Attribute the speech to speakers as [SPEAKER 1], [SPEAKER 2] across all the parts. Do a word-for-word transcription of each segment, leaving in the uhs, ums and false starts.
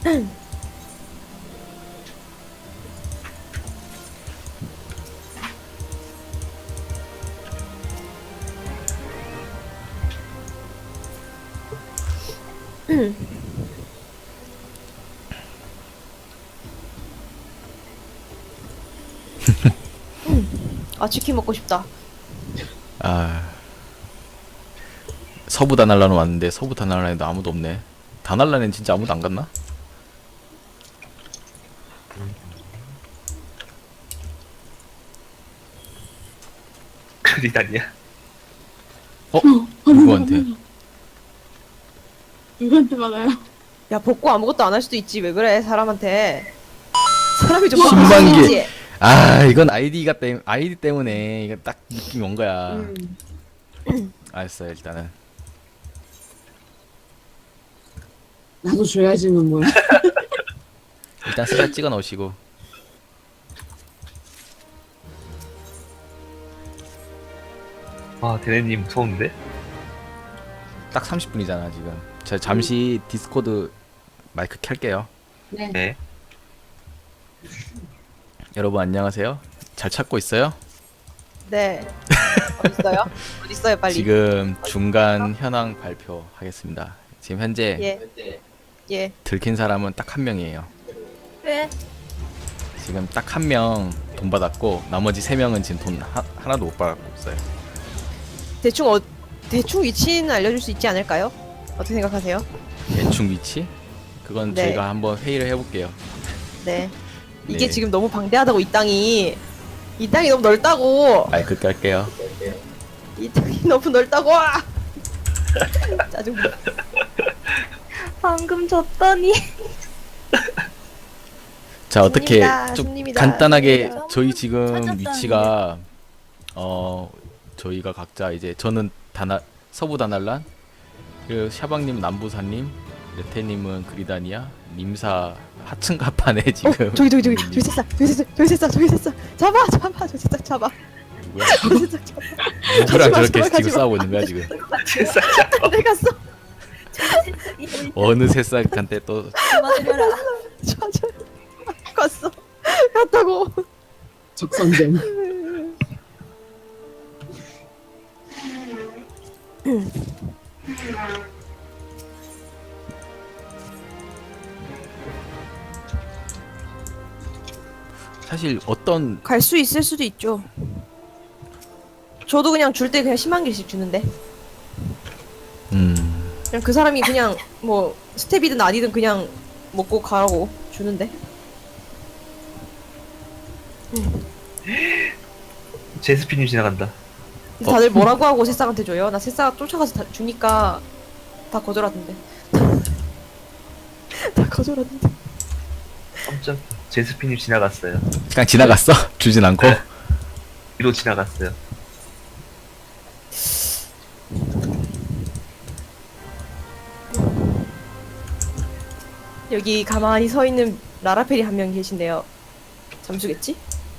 [SPEAKER 1] 아 치킨 먹고 싶다.
[SPEAKER 2] 아 서부 다날라는 왔는데 서부 다날라에도 아무도 없네. 다날라는 진짜 아무도 안 갔나?
[SPEAKER 3] 그리다니야.
[SPEAKER 2] 어? 누구한테?
[SPEAKER 4] 누구한테 받아요?
[SPEAKER 1] 야 복구 아무것도 안 할 수도 있지. 왜 그래 사람한테. 사람이 좀
[SPEAKER 2] 십만 개.
[SPEAKER 1] 무서워지지.
[SPEAKER 2] 아 이건 아이디가 때 아이디 때문에 이거 딱 느낌이 온 거야.
[SPEAKER 1] 음.
[SPEAKER 2] 알았어요 일단은.
[SPEAKER 4] 나도 줘야지는 뭐야.
[SPEAKER 2] 일단 숫자 찍어 놓으시고.
[SPEAKER 3] 아, 대네님 무서운데?
[SPEAKER 2] 딱 삼십 분이잖아 지금. 저 잠시 디스코드 마이크 켤게요.
[SPEAKER 4] 네.
[SPEAKER 3] 네.
[SPEAKER 2] 여러분 안녕하세요. 잘 찾고 있어요?
[SPEAKER 1] 네. 어디 있어요? 어디 있어요 빨리.
[SPEAKER 2] 지금 중간 현황 발표하겠습니다. 지금 현재
[SPEAKER 1] 예. 예.
[SPEAKER 2] 들킨 사람은 딱 한 명이에요.
[SPEAKER 1] 왜?
[SPEAKER 2] 지금 딱 한 명 돈 받았고 나머지 세 명은 지금 돈 하, 하나도 못 받고 있어요.
[SPEAKER 1] 대충 어 대충 위치는 알려줄 수 있지 않을까요? 어떻게 생각하세요?
[SPEAKER 2] 대충 위치? 그건
[SPEAKER 1] 네.
[SPEAKER 2] 저희가 한번 회의를 해볼게요.
[SPEAKER 1] 네. 이게
[SPEAKER 2] 네.
[SPEAKER 1] 지금 너무 방대하다고 이 땅이 이 땅이 너무 넓다고
[SPEAKER 2] 마이크 깔게요.
[SPEAKER 1] 이 땅이 너무 넓다고 짜증나.
[SPEAKER 5] 방금 졌더니
[SPEAKER 2] 자 어떻게
[SPEAKER 1] 손님이다,
[SPEAKER 2] 좀
[SPEAKER 1] 손님이다.
[SPEAKER 2] 간단하게
[SPEAKER 5] 손님이다.
[SPEAKER 2] 저희 지금
[SPEAKER 5] 찾았다는데.
[SPEAKER 2] 위치가 어 저희가 각자 이제 저는 다나 서부 다날란, 그리고 샤방님 남부사님, 레테님은 그리다니아, 님사 하층 가판에 지금
[SPEAKER 1] 어, 저기 저기 저기 저기 새싹 저기 새싹 저기 새싹 저기 새싹 잡아 잡아 저기 새싹 잡아
[SPEAKER 2] 누구야?
[SPEAKER 1] 저기 새싹 잡아.
[SPEAKER 2] 누구랑
[SPEAKER 1] 가지마,
[SPEAKER 2] 저렇게
[SPEAKER 1] 가지마,
[SPEAKER 2] 지금
[SPEAKER 1] 가지마.
[SPEAKER 2] 싸우고 있는 거야 지금?
[SPEAKER 3] 세상
[SPEAKER 1] 내 갔어.
[SPEAKER 2] 어느 새싹한테 또
[SPEAKER 5] 맞으라.
[SPEAKER 1] 저저 갔어. 갔다고.
[SPEAKER 4] 적선전.
[SPEAKER 2] 사실 어떤
[SPEAKER 1] 갈 수 있을 수도 있죠. 저도 그냥 줄 때 그냥 십만 개씩 주는데
[SPEAKER 2] 음
[SPEAKER 1] 그냥 그 사람이 그냥 뭐 스텝이든 아니든 그냥 먹고 가라고 주는데.
[SPEAKER 3] 제스피님 지나간다.
[SPEAKER 1] 근데 다들 뭐라고 하고 새싹한테 줘요? 나 새싹 쫓아가서 다 주니까 다 거절하던데. 다 거절하던데.
[SPEAKER 3] 깜짝 제스피님 지나갔어요.
[SPEAKER 2] 그냥 지나갔어? 주진 않고?
[SPEAKER 3] 네. 뒤로 지나갔어요.
[SPEAKER 1] 여기 가만히 서 있는 라라페리 한 명 계신데요. 잠수겠지?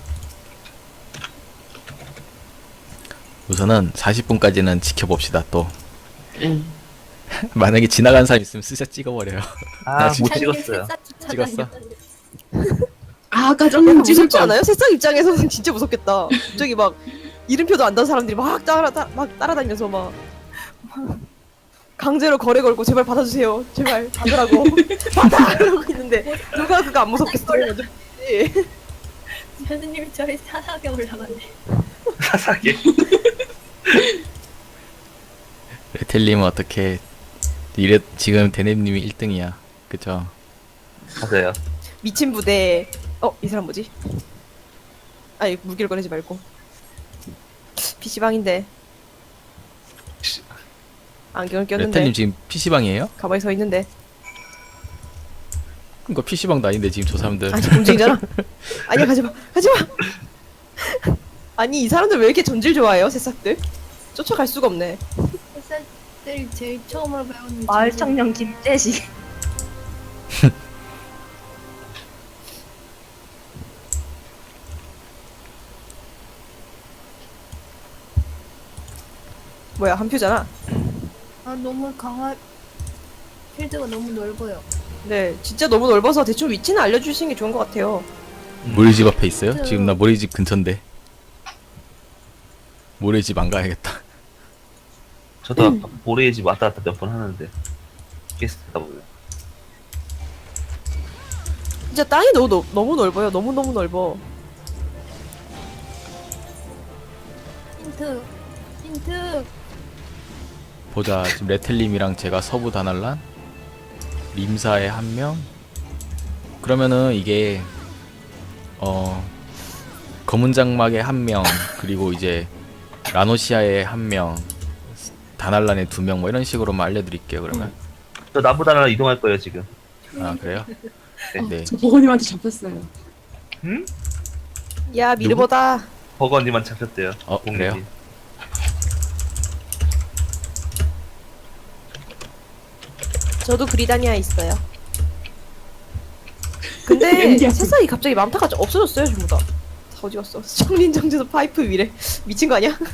[SPEAKER 2] 우선은 사십 분까지는 지켜봅시다. 또
[SPEAKER 4] 응.
[SPEAKER 2] 만약에 지나간 사람 있으면 스샷 찍어버려요.
[SPEAKER 3] 아,
[SPEAKER 2] 나
[SPEAKER 3] 못
[SPEAKER 2] 진짜
[SPEAKER 3] 찍었어요.
[SPEAKER 2] 찍었어?
[SPEAKER 4] 아, 아까
[SPEAKER 1] 약간
[SPEAKER 4] 저는 찍을
[SPEAKER 1] 무섭지
[SPEAKER 4] 줄
[SPEAKER 1] 않아요? 새싹 입장에서는 진짜 무섭겠다. 갑자기 막 이름표도 안 단 사람들이 막 따라 따, 막 따라다니면서 막 강제로 거래 걸고 제발 받아주세요. 제발 받으라고 받아 이러고 있는데 누가 그거 안 무섭겠어요? 예.
[SPEAKER 5] 선생님이 저희 사상에 올라가네.
[SPEAKER 3] 사사게.
[SPEAKER 2] 레텔님은 어떻게 이래 지금 데넴님이 일 등이야. 그쵸?
[SPEAKER 3] 맞아요.
[SPEAKER 1] 미친 부대. 어, 이 사람 뭐지? 아니 무기를 꺼내지 말고. 피시방인데 안경을 꼈는데
[SPEAKER 2] 레텔님 지금 피시방이에요?
[SPEAKER 1] 가만히 서 있는데
[SPEAKER 2] 그니까 피시방도 아닌데 지금 저 사람들.
[SPEAKER 1] 아니 움직이잖아. 아니야 가지마 가지마. 아니 이 사람들 왜 이렇게 전질 좋아해요 새싹들? 쫓아갈 수가 없네.
[SPEAKER 5] 회사들이 제일 처음으로 배우는
[SPEAKER 6] 마을
[SPEAKER 5] 전쟁.
[SPEAKER 6] 청년 김재식.
[SPEAKER 1] 뭐야 한 표잖아.
[SPEAKER 5] 아 너무 강화 필드가 너무 넓어요.
[SPEAKER 1] 네, 진짜 너무 넓어서 대충 위치는 알려주시는 게 좋은 것 같아요.
[SPEAKER 2] 모래집 앞에 있어요? 지금 나 모래집 근처인데. 모래집 안 가야겠다.
[SPEAKER 3] 저도 아까 모래의 집 왔다 갔다 몇 번 하는데 게스트다 보면
[SPEAKER 1] 진짜 땅이 너무 넓, 너무 넓어요. 너무 너무 넓어.
[SPEAKER 5] 힌트. 힌트.
[SPEAKER 2] 보자. 지금 레텔님이랑 제가 서부 다날란, 림사에 한 명. 그러면은 이게 어 검은 장막에 한 명, 그리고 이제 라노시아에 한 명, 다날란에 두 명, 뭐 이런 식으로만 알려드릴게요. 그러면.
[SPEAKER 3] 저 나보다는 이동할 거예요 지금.
[SPEAKER 2] 아 그래요?
[SPEAKER 4] 어,
[SPEAKER 2] 네.
[SPEAKER 4] 저 버거님한테 잡혔어요.
[SPEAKER 3] 응?
[SPEAKER 1] 야, 미르보다.
[SPEAKER 3] 버거님만 잡혔대요.
[SPEAKER 2] 어,
[SPEAKER 3] 공격이.
[SPEAKER 2] 그래요?
[SPEAKER 1] 저도 그리다니아 있어요. 근데
[SPEAKER 4] 연기하지.
[SPEAKER 1] 세상이 갑자기 많다가 없어졌어요, 전부 다. 다 어디 갔어? 청린정제소 파이프 위래. 미친 거 아니야?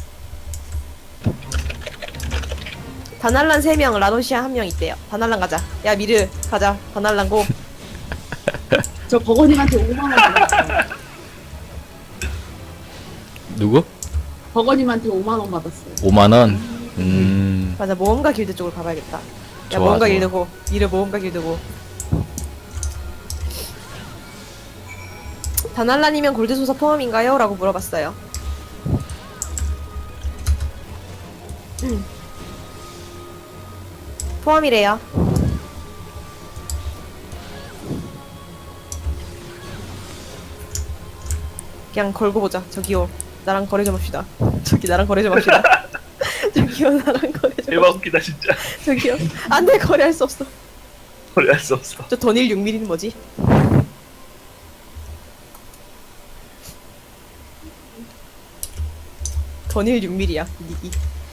[SPEAKER 1] 다날란 세 명, 라노시아 한 명 있대요. 다날란 가자. 야, 미르 가자. 다날란 고.
[SPEAKER 4] 저 버거님한테 오만 원 받았어요.
[SPEAKER 2] 누구?
[SPEAKER 4] 버거님한테 오만 원 받았어요.
[SPEAKER 2] 오만 원. 음.
[SPEAKER 1] 맞아, 모험가 길드 쪽으로 가봐야겠다. 야,
[SPEAKER 2] 좋아,
[SPEAKER 1] 모험가
[SPEAKER 2] 좋아.
[SPEAKER 1] 길드고. 미르 모험가 길드고. 다날란이면 골드소사 포함인가요? 라고 물어봤어요. 음. 포함이래요. 그냥 걸고 보자. 저기요, 나랑 거래 좀 합시다. 저기 나랑 거래 좀 합시다. 저기요, 나랑 거래 좀
[SPEAKER 3] 대박 웃기다 진짜.
[SPEAKER 1] 저기요. 안돼, 거래할 수 없어.
[SPEAKER 3] 거래할 수 없어.
[SPEAKER 1] 저 던일 육 밀리미터는 뭐지? 던일 육 밀리미터야 닉이.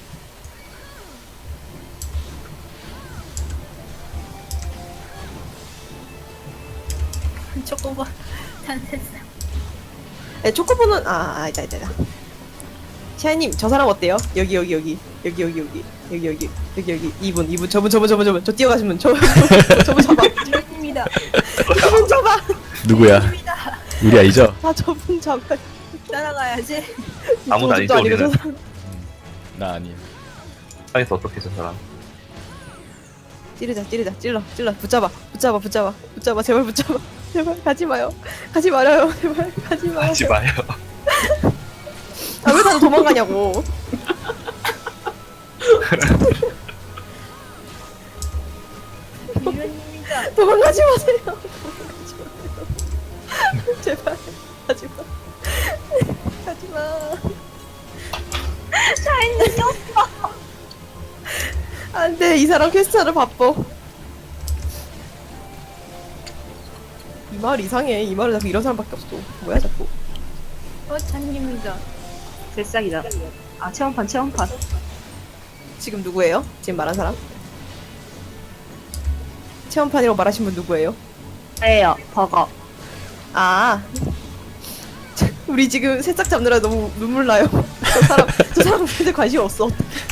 [SPEAKER 5] 초코바. 단세상.
[SPEAKER 1] 네, 초코보는 아, 아, 있다, 있다, 있다. 샤이님, 저 사람 어때요? 여기, 여기, 여기, 여기, 여기, 여기, 여기, 여기, 여기, 여기, 이분, 이분, 저분, 저분, 저분, 저분, 저 뛰어가신 분, 저, 저, 저분 잡아,
[SPEAKER 5] 주인입니다.
[SPEAKER 1] 저분 잡아,
[SPEAKER 2] 누구야? 우리 아이죠?
[SPEAKER 1] 아, 저분 잡아.
[SPEAKER 5] 따라가야지.
[SPEAKER 3] 아무도 아니죠,
[SPEAKER 1] 저분도 아니고 저
[SPEAKER 3] 우리는.
[SPEAKER 1] 사람.
[SPEAKER 2] 나 아니야.
[SPEAKER 3] 상에서 어떻게 저 사람?
[SPEAKER 1] 찌르자, 찌르자, 찔러, 찔러, 붙잡아, 붙잡아, 붙잡아, 붙잡아, 제발 붙잡아, 제발 가지 마요, 가지 말아요, 제발 가지 마요.
[SPEAKER 3] 하지 마요.
[SPEAKER 1] 아, 왜 다들 도망가냐고.
[SPEAKER 5] 주인입니다.
[SPEAKER 1] 도망가지 마세요. 도망가지 마세요. 제발 가지 마. 가지 마.
[SPEAKER 5] 샤이니
[SPEAKER 1] 안돼, 이 사람 퀘스트하러 바빠. 이 마을 이상해. 이 마을에 자꾸 이런 사람밖에 없어. 뭐야 자꾸.
[SPEAKER 5] 어, 잔입니다.
[SPEAKER 6] 새싹이다. 아, 체험판, 체험판.
[SPEAKER 1] 지금 누구예요? 지금 말한 사람? 체험판이라고 말하신 분 누구예요?
[SPEAKER 6] 예요, 버거.
[SPEAKER 1] 아, 우리 지금 새싹 잡느라 너무 눈물 나요. 저 사람, 저 사람한테 관심 없어.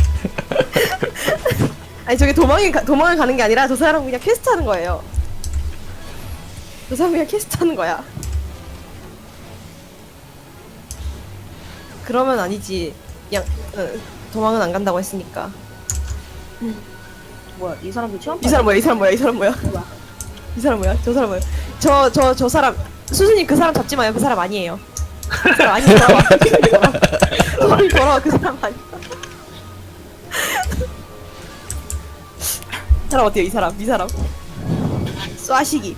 [SPEAKER 1] 아니, 저게 도망이 가, 도망을 가는 게 아니라 저 사람은 그냥 퀘스트 하는 거예요. 저 사람 그냥 퀘스트 하는 거야. 그러면 아니지. 그냥 어, 도망은 안 간다고 했으니까.
[SPEAKER 6] 뭐야, 이 사람도 체험판?
[SPEAKER 1] 이 사람 뭐야? 이 사람 뭐야? 이 사람 뭐야? 이 사람 뭐야? 저 사람 뭐야? 저 저 저 사람 수진님, 그 사람 잡지 마요. 그 사람 아니에요. 그 사람 아니에요. 돌아와. 돌아와. 돌아와. 그 사람 아니야. 이 사람 어때요? 이 사람, 이 사람. 쏴시기.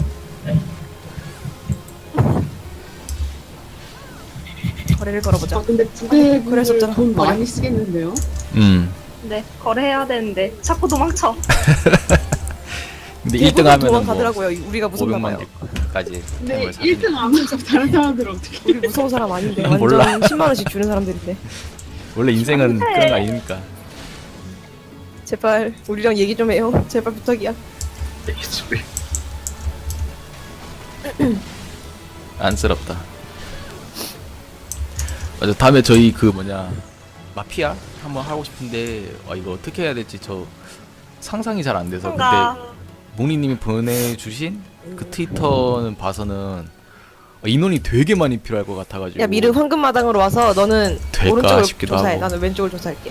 [SPEAKER 1] 거래를 걸어보자.
[SPEAKER 4] 아, 근데 두개
[SPEAKER 1] 그럴 수 없잖아.
[SPEAKER 4] 돈
[SPEAKER 1] 버려.
[SPEAKER 4] 많이 쓰겠는데요?
[SPEAKER 2] 음.
[SPEAKER 6] 네, 거래해야 되는데. 자꾸 도망쳐.
[SPEAKER 2] 근데 일 등
[SPEAKER 1] 대부분
[SPEAKER 2] 하면은 뭐
[SPEAKER 1] 도망가더라고요. 우리가 무섭나
[SPEAKER 2] 오백만
[SPEAKER 1] 봐요.
[SPEAKER 2] 개까지
[SPEAKER 4] 근데
[SPEAKER 2] 템을 사는.
[SPEAKER 4] 일 등 안 하면서 다른 사람들은 어떻게
[SPEAKER 1] 우리 무서운 사람 아닌데.
[SPEAKER 2] 난
[SPEAKER 1] 완전
[SPEAKER 2] 몰라.
[SPEAKER 1] 십만 원씩 주는 사람들인데.
[SPEAKER 2] 원래 인생은 그런 거 아니니까.
[SPEAKER 1] 제발 우리랑 얘기 좀 해요. 제발 부탁이야.
[SPEAKER 3] 집에
[SPEAKER 2] 안쓰럽다. 맞아, 다음에 저희 그 뭐냐 마피아 한번 하고 싶은데 아 이거 어떻게 해야 될지 저 상상이 잘 안 돼서. 근데
[SPEAKER 6] 뭔가
[SPEAKER 2] 몽리님이 보내주신 그 트위터는 봐서는 인원이 되게 많이 필요할 것 같아가지고.
[SPEAKER 1] 야 미르 황금마당으로 와서 너는
[SPEAKER 2] 될까
[SPEAKER 1] 오른쪽을
[SPEAKER 2] 싶기도
[SPEAKER 1] 조사해.
[SPEAKER 2] 하고.
[SPEAKER 1] 나는 왼쪽을 조사할게.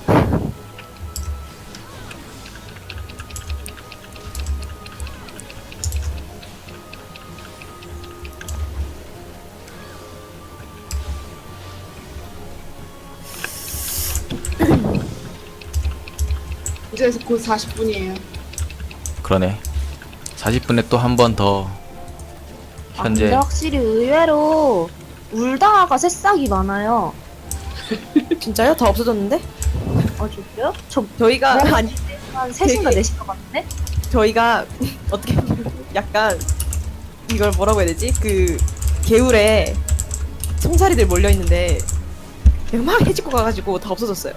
[SPEAKER 4] 이제 곧 사십 분이에요.
[SPEAKER 2] 그러네. 사십 분에 또 한 번 더
[SPEAKER 6] 아,
[SPEAKER 2] 현재
[SPEAKER 6] 근데 확실히 의외로 울다가 새싹이 많아요.
[SPEAKER 1] 진짜요? 다 없어졌는데?
[SPEAKER 6] 아 진짜요? 저
[SPEAKER 1] 저희가
[SPEAKER 6] 네?
[SPEAKER 1] 아니
[SPEAKER 6] 한 셋인가
[SPEAKER 1] 되게-
[SPEAKER 6] 넷인 것 같은데?
[SPEAKER 1] 저희가 어떻게 보면 약간 이걸 뭐라고 해야 되지? 그 개울에 송사리들 몰려 있는데 그냥 막 해집고 가가지고 다 없어졌어요.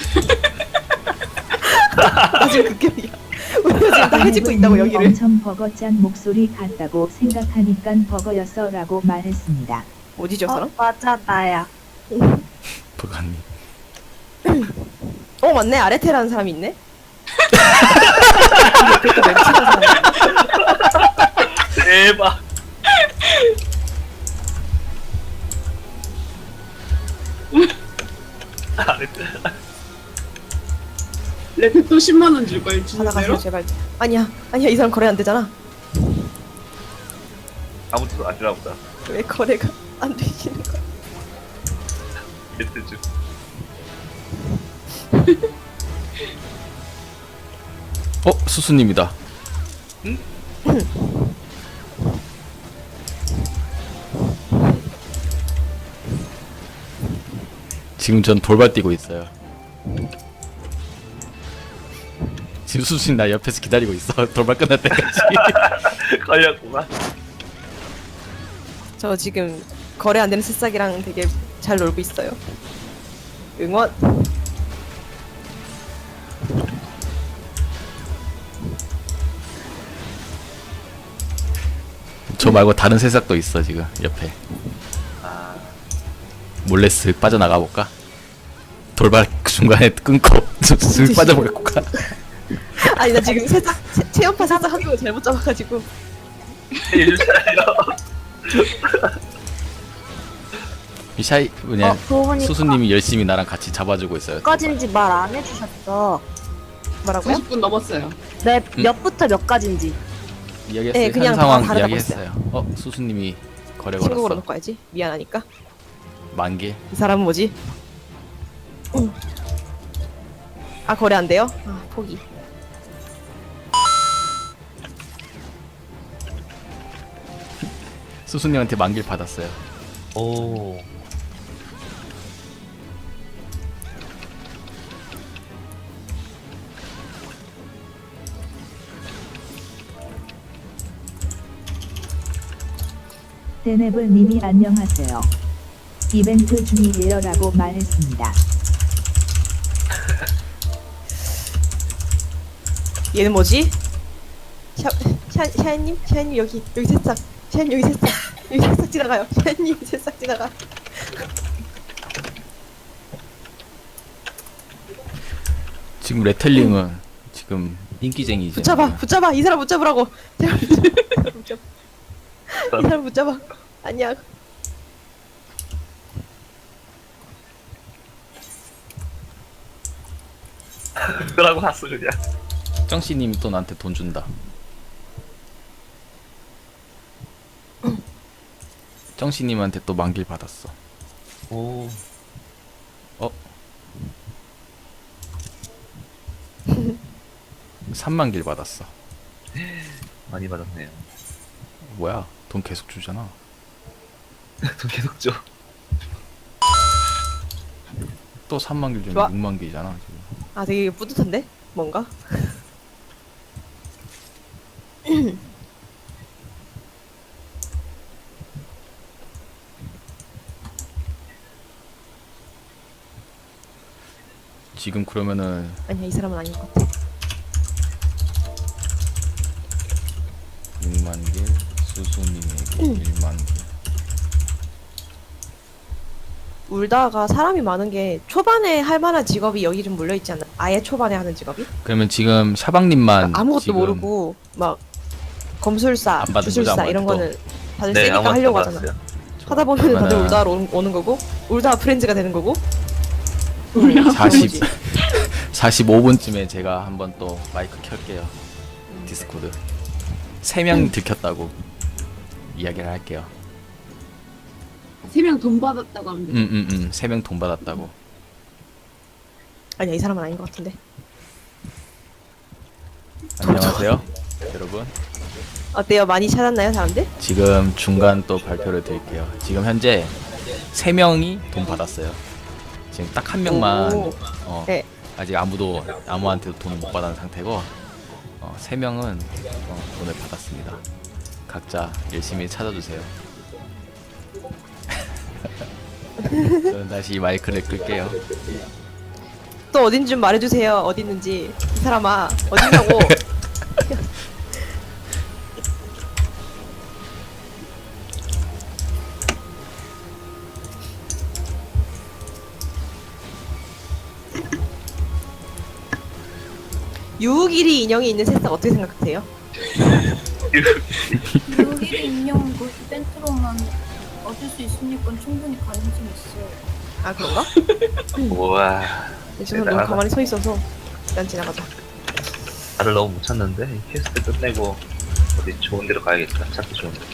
[SPEAKER 1] 나 지금 그 기분이야. 우리가 지금 다 해집고 있다고 여기를.
[SPEAKER 7] 엄청 버거짠 목소리 같다고 생각하니까 버거였어라고 말했습니다.
[SPEAKER 1] 어디죠,
[SPEAKER 6] 어,
[SPEAKER 1] 사람?
[SPEAKER 6] 맞아 나야.
[SPEAKER 2] 부가님.
[SPEAKER 1] 어 맞네, 아레테라는 사람이 있네. 옆에 또 멘치는 사람이 있네.
[SPEAKER 3] 대박.
[SPEAKER 4] 레페 또 십만 원 줄 거예요.
[SPEAKER 1] 받아가세요
[SPEAKER 4] 진짜로?
[SPEAKER 1] 제발. 아니야 아니야 이 사람 거래 안 되잖아.
[SPEAKER 3] 아무튼 안 주나 보다.
[SPEAKER 1] 왜 거래가 안 되시는 거야?
[SPEAKER 3] 멘트 중.
[SPEAKER 2] 어 수수님이다. 지금 전 돌발 뛰고 있어요. 지금 수수님 나 옆에서 기다리고 있어. 돌발 끝날 때까지.
[SPEAKER 3] 걸렸구만.
[SPEAKER 1] 저 지금 거래 안 되는 새싹이랑 되게 잘 놀고 있어요. 응원.
[SPEAKER 2] 저 말고 다른 새싹도 있어 지금 옆에.
[SPEAKER 3] 아,
[SPEAKER 2] 몰래 쓱 빠져나가 볼까? 돌발 중간에 끊고 쓱 빠져볼까?
[SPEAKER 1] 아니 나 지금 새싹 체, 체험파 새싹 한 명을 잘못 잡아가지고.
[SPEAKER 3] 해주세요.
[SPEAKER 2] 이 샤이 뭐냐
[SPEAKER 6] 어, 그러고 보니까
[SPEAKER 2] 수수님이 열심히 나랑 같이 잡아주고 있어요.
[SPEAKER 6] 몇 가지인지 말 안 해주셨어.
[SPEAKER 1] 뭐라고요?
[SPEAKER 4] 사십 분 넘었어요.
[SPEAKER 6] 네,
[SPEAKER 2] 음.
[SPEAKER 6] 몇부터 몇 가지인지.
[SPEAKER 2] 이야기했어요.
[SPEAKER 1] 네, 그냥
[SPEAKER 2] 현 상황
[SPEAKER 1] 다 다르다고
[SPEAKER 2] 이야기했어요. 어 수수님이 거래
[SPEAKER 1] 신고
[SPEAKER 2] 걸었어.
[SPEAKER 1] 걸어놓고 와야지. 미안하니까.
[SPEAKER 2] 만개.
[SPEAKER 1] 이 사람은 뭐지? 응. 아 거래 안 돼요? 아 포기.
[SPEAKER 2] 수수님한테 만개를 받았어요.
[SPEAKER 3] 오.
[SPEAKER 7] 데네블님이 안녕하세요. 이벤트 중이에요라고 말했습니다.
[SPEAKER 1] 얘는 뭐지? 샤, 샤, 샤이님? 샤이님 여기 여기 새싹. 샤이님 여기 새싹. 여기 새싹 지나가요. 샤이님 새싹 지나가.
[SPEAKER 2] 지금 레텔링은 지금 인기쟁이죠.
[SPEAKER 1] 붙잡아 붙잡아 이 사람 붙잡으라고. 제발 붙잡아. 이 사람 붙잡아. 아니야.
[SPEAKER 3] 그러고 갔어 그냥.
[SPEAKER 2] 정씨님이 또 나한테 돈 준다. 정씨님한테 또 만길 받았어.
[SPEAKER 3] 오.
[SPEAKER 2] 삼만 길 받았어.
[SPEAKER 3] 많이 받았네요.
[SPEAKER 2] 뭐야? 돈 계속 주잖아.
[SPEAKER 3] 돈 계속 줘.
[SPEAKER 2] 또 삼만 길
[SPEAKER 1] 좋아.
[SPEAKER 2] 주면 육만 길이잖아 지금.
[SPEAKER 1] 아 되게 뿌듯한데? 뭔가?
[SPEAKER 2] 지금 그러면은
[SPEAKER 1] 아니야 이 사람은 아닌 것 같아.
[SPEAKER 2] 육만 길, 수수님에게 일만 길.
[SPEAKER 1] 울다가 사람이 많은 게 초반에 할 만한 직업이 여기 좀 몰려 있지 않나? 아예 초반에 하는 직업이?
[SPEAKER 2] 그러면 지금 샤방님만
[SPEAKER 1] 아무것도
[SPEAKER 2] 지금
[SPEAKER 1] 모르고 막 검술사,
[SPEAKER 2] 안 받은 거죠,
[SPEAKER 1] 주술사
[SPEAKER 2] 아무것도?
[SPEAKER 1] 이런 거는 다들
[SPEAKER 3] 네,
[SPEAKER 1] 세니까
[SPEAKER 3] 아무것도
[SPEAKER 1] 하려고
[SPEAKER 3] 안
[SPEAKER 1] 하잖아.
[SPEAKER 3] 받았어요.
[SPEAKER 1] 하다 보면 다들
[SPEAKER 2] 그러면은
[SPEAKER 1] 울다로 오- 오는 거고 울다 프렌즈가 되는 거고.
[SPEAKER 2] 사십 사십오 분쯤에 제가 한번 또 마이크 켤게요. 디스코드. 세 명이 들켰다고 이야기를 할게요.
[SPEAKER 4] 세 명 돈 받았다고 하면 돼.
[SPEAKER 2] 음음음. 세 명 돈 받았다고.
[SPEAKER 1] 아니야 이 사람은 아닌 것 같은데.
[SPEAKER 2] 안녕하세요, 여러분.
[SPEAKER 1] 어때요? 많이 찾았나요 사람들?
[SPEAKER 2] 지금 중간 또 발표를 드릴게요. 지금 현재 세 명이 돈 받았어요. 지금 딱 한 명만
[SPEAKER 1] 오.
[SPEAKER 2] 어,
[SPEAKER 1] 네.
[SPEAKER 2] 아직 아무도 아무한테도 돈을 못 받은 상태고 어, 세 명은 어, 돈을 받았습니다. 각자 열심히 찾아주세요. 저는 다시 마이크를 끌게요.
[SPEAKER 1] 또 어딘지 좀 말해주세요. 어디 있는지. 이 사람아 어디냐고. 유우길이 인형이 있는 새싹 어떻게 생각하세요?
[SPEAKER 5] 여기 인형 그 이벤트로만 얻을 수 있으니까 충분히 가능성이 있어요.
[SPEAKER 1] 아 그런가?
[SPEAKER 3] 우와.
[SPEAKER 1] 네, 저는 너무
[SPEAKER 3] 대단하다.
[SPEAKER 1] 가만히 서 있어서 일단 지나가자.
[SPEAKER 3] 나를 너무 못 찾는데 이 퀘스트 끝내고 어디 좋은 데로 가야겠다. 찾기 좋은 데.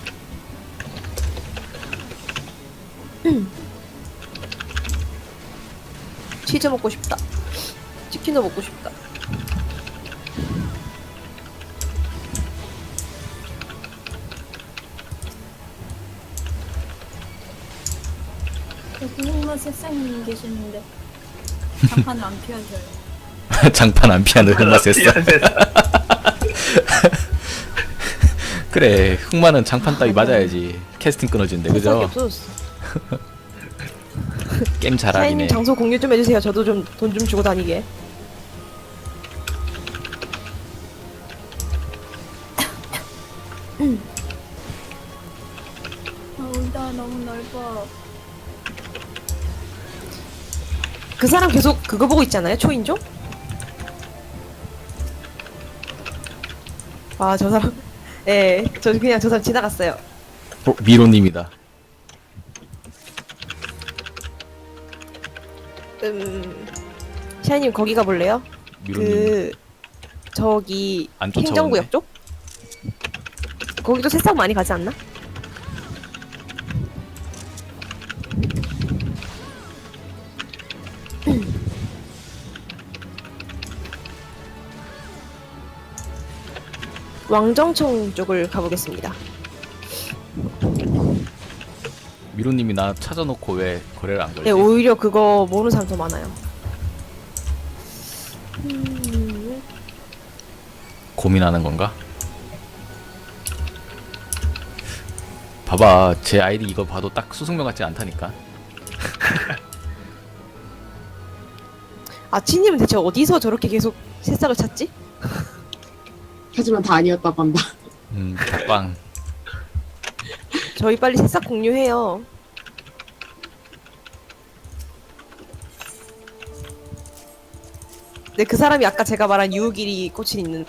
[SPEAKER 1] 치즈 먹고 싶다. 치킨도 먹고 싶다.
[SPEAKER 5] 여기 흑마 세상님 계시는데 잠깐 안 피하셔요.
[SPEAKER 2] 장판 안 피하는 흑마세스. 그래, 흑마는 장판 따위 맞아야지 캐스팅 끊어진대,
[SPEAKER 1] 새싹이
[SPEAKER 2] 그죠?
[SPEAKER 1] 없어졌어.
[SPEAKER 2] 게임
[SPEAKER 1] 사장님
[SPEAKER 2] 잘하기네.
[SPEAKER 1] 장소 공유 좀 해주세요. 저도 좀 돈 좀 주고 다니게.
[SPEAKER 5] 아, 울다 너무 넓어.
[SPEAKER 1] 그 사람 계속 그거 보고 있잖아요. 초인종? 아 저 사람. 예, 저 그냥 저 사람 지나갔어요.
[SPEAKER 2] 어, 미로님이다.
[SPEAKER 1] 음, 샤이님 거기 가볼래요?
[SPEAKER 2] 미로님.
[SPEAKER 1] 그 저기
[SPEAKER 2] 안 쫓아오네.
[SPEAKER 1] 행정구역 쪽? 거기도 새싹 많이 가지 않나? 왕정청 쪽을 가보겠습니다.
[SPEAKER 2] 미로님이 나 찾아놓고 왜 거래를 안 걸지?
[SPEAKER 1] 네, 오히려 그거 모르는 사람 더 많아요. 음,
[SPEAKER 2] 고민하는 건가? 봐봐, 제 아이디 이거 봐도 딱 수승명 같지 않다니까.
[SPEAKER 1] 아치님은 대체 어디서 저렇게 계속 새싹을 찾지?
[SPEAKER 4] 하지만 다 아니었다고 한다.
[SPEAKER 2] 음, 빵.
[SPEAKER 1] 저희 빨리 새싹 공유해요. 네, 그 사람이 아까 제가 말한 유우길이 꽂힌 있는.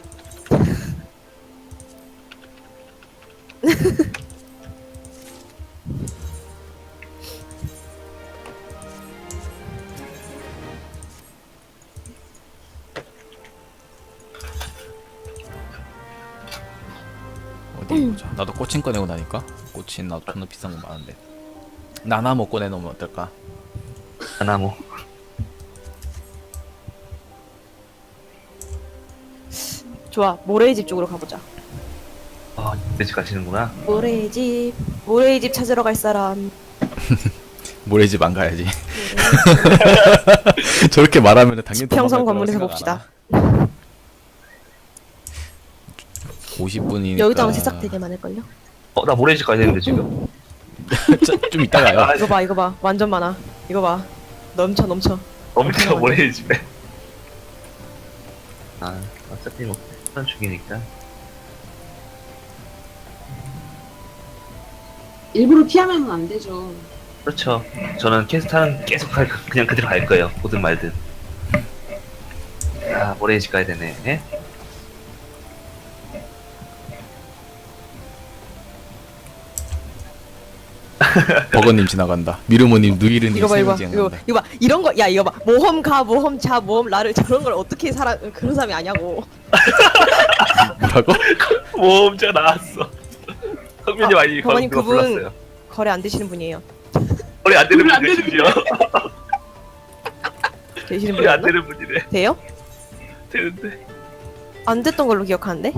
[SPEAKER 2] 어디 보자. 나도 꼬친 꺼내고 나니까. 꼬친 나도 존나 비싼 거 많은데. 나나 뭐 꺼내놓으면 어떨까?
[SPEAKER 3] 하나모.
[SPEAKER 1] 좋아, 모래의 집 쪽으로 가보자.
[SPEAKER 3] 아, 이때지 가시는구나.
[SPEAKER 1] 모래의 집, 모래의 집 찾으러 갈 사람.
[SPEAKER 2] 모래집 안 가야지. 저렇게 말하면 당연히
[SPEAKER 1] 지평선 건물에서 봅시다.
[SPEAKER 2] 오십 분이니까
[SPEAKER 1] 여기도 아마 새싹 되게 많을걸요?
[SPEAKER 3] 어, 나 모래집 가야 되는데 지금.
[SPEAKER 2] 좀 이따 가요.
[SPEAKER 3] 아,
[SPEAKER 1] 이거 봐, 이거 봐. 완전 많아. 이거 봐. 넘쳐, 넘쳐.
[SPEAKER 3] 엄청 모래집에. 아, 어차피 뭐 한 죽이니까.
[SPEAKER 4] 일부러 피하면 안 되죠.
[SPEAKER 3] 그렇죠. 저는 퀘스트 하는 계속 갈, 그냥 그대로 갈 거예요. 오든 말든. 아, 모래의 집 가야 되네. 예?
[SPEAKER 2] 버거님 지나간다. 미르모님 누이르님
[SPEAKER 1] 이거 봐 이거 봐
[SPEAKER 2] 세우지
[SPEAKER 1] 이거,
[SPEAKER 2] 않는다.
[SPEAKER 1] 이거 봐 이런 거 야 이거 봐 모험 가 모험 자 모험 라를 저런 걸 어떻게 사람 그런 사람이 아냐고.
[SPEAKER 2] 뭐라고?
[SPEAKER 3] 모험자가 나왔어. 성민이
[SPEAKER 1] 아,
[SPEAKER 3] 많이
[SPEAKER 1] 버거님
[SPEAKER 3] 누가
[SPEAKER 1] 그분-
[SPEAKER 3] 불렀어요.
[SPEAKER 1] 거래 안 되시는 분이에요.
[SPEAKER 3] 머리 안 되는
[SPEAKER 4] 머리 안
[SPEAKER 3] 분이네,
[SPEAKER 4] 되는
[SPEAKER 3] 심지어.
[SPEAKER 1] 되시는
[SPEAKER 3] 머리 안
[SPEAKER 1] 분이요?
[SPEAKER 3] 되는 분이네.
[SPEAKER 1] 돼요?
[SPEAKER 3] 되는데.
[SPEAKER 1] 안 됐던 걸로 기억하는데?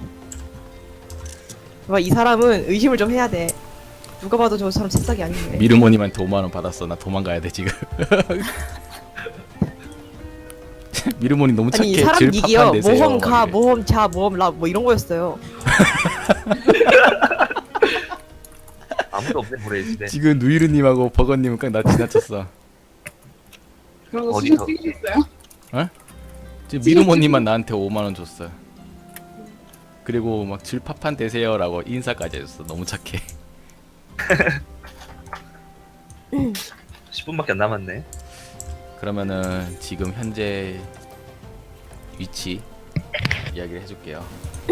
[SPEAKER 1] 봐, 이 사람은 의심을 좀 해야 돼. 누가 봐도 저 사람 새싹이 아닌데.
[SPEAKER 2] 미르모님한테 오만 원 받았어. 나 도망가야 돼 지금. 미르모님 너무 착해.
[SPEAKER 1] 아니 이 사람
[SPEAKER 2] 질팍한
[SPEAKER 1] 얘기요.
[SPEAKER 2] 데세요.
[SPEAKER 1] 모험
[SPEAKER 2] 막
[SPEAKER 1] 가
[SPEAKER 2] 이래.
[SPEAKER 1] 모험 자 모험 라 뭐 이런 거였어요.
[SPEAKER 3] 아무도 없네, 모래의 집에.
[SPEAKER 2] 지금 누이르님하고 버거님은 그냥 나 지나쳤어.
[SPEAKER 4] 그런 거
[SPEAKER 3] 어디서?
[SPEAKER 4] 수준 찍으셨어요?
[SPEAKER 2] 지금 미르모님만 나한테 오만 원 줬어. 그리고 막 질팍한 되세요라고 인사까지 해줬어. 너무 착해.
[SPEAKER 3] 십 분밖에 안 남았네.
[SPEAKER 2] 그러면은 지금 현재 위치 이야기를 해줄게요.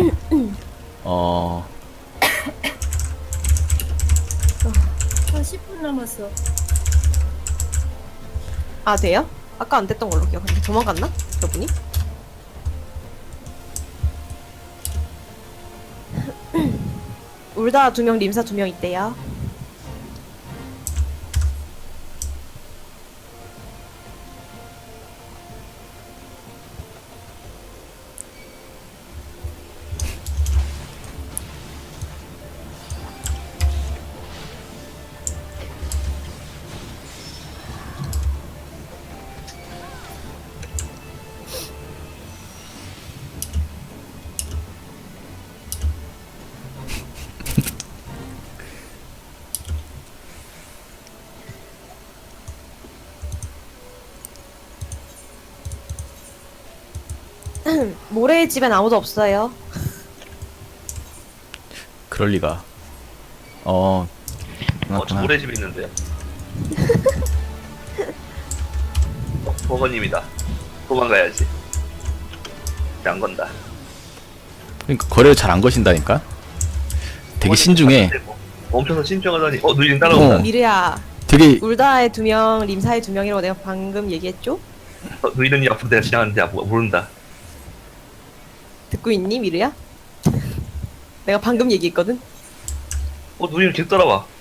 [SPEAKER 2] 어
[SPEAKER 5] 한 십 분 남았어.
[SPEAKER 1] 아 돼요? 아까 안 됐던 걸로 기억하는데 도망갔나? 저분이? 울다 두 명 림사 두 명 있대요. 모래의 집엔 아무도 없어요.
[SPEAKER 2] 그럴 리가. 어.
[SPEAKER 3] 어, 저
[SPEAKER 2] 맞구나.
[SPEAKER 3] 모래 집에 있는데요. 어, 버거님이다. 도망가야지. 이제 안 건다.
[SPEAKER 2] 그러니까 거래를 잘 안 거신다니까. 되게 신중해.
[SPEAKER 3] 멈춰서 신중하더니, 어, 누이는 따라온다.
[SPEAKER 2] 어.
[SPEAKER 1] 미르야,
[SPEAKER 2] 되게
[SPEAKER 1] 울다의 두 명, 림사의 두 명이라고 내가 방금 얘기했죠?
[SPEAKER 3] 어, 누이는 앞으로 내가 지나가는데 아, 모- 모른다.
[SPEAKER 1] 듣고 있니, 미르야? 내가 방금 얘기했거든?
[SPEAKER 3] 어, 누이는 계속 따라와.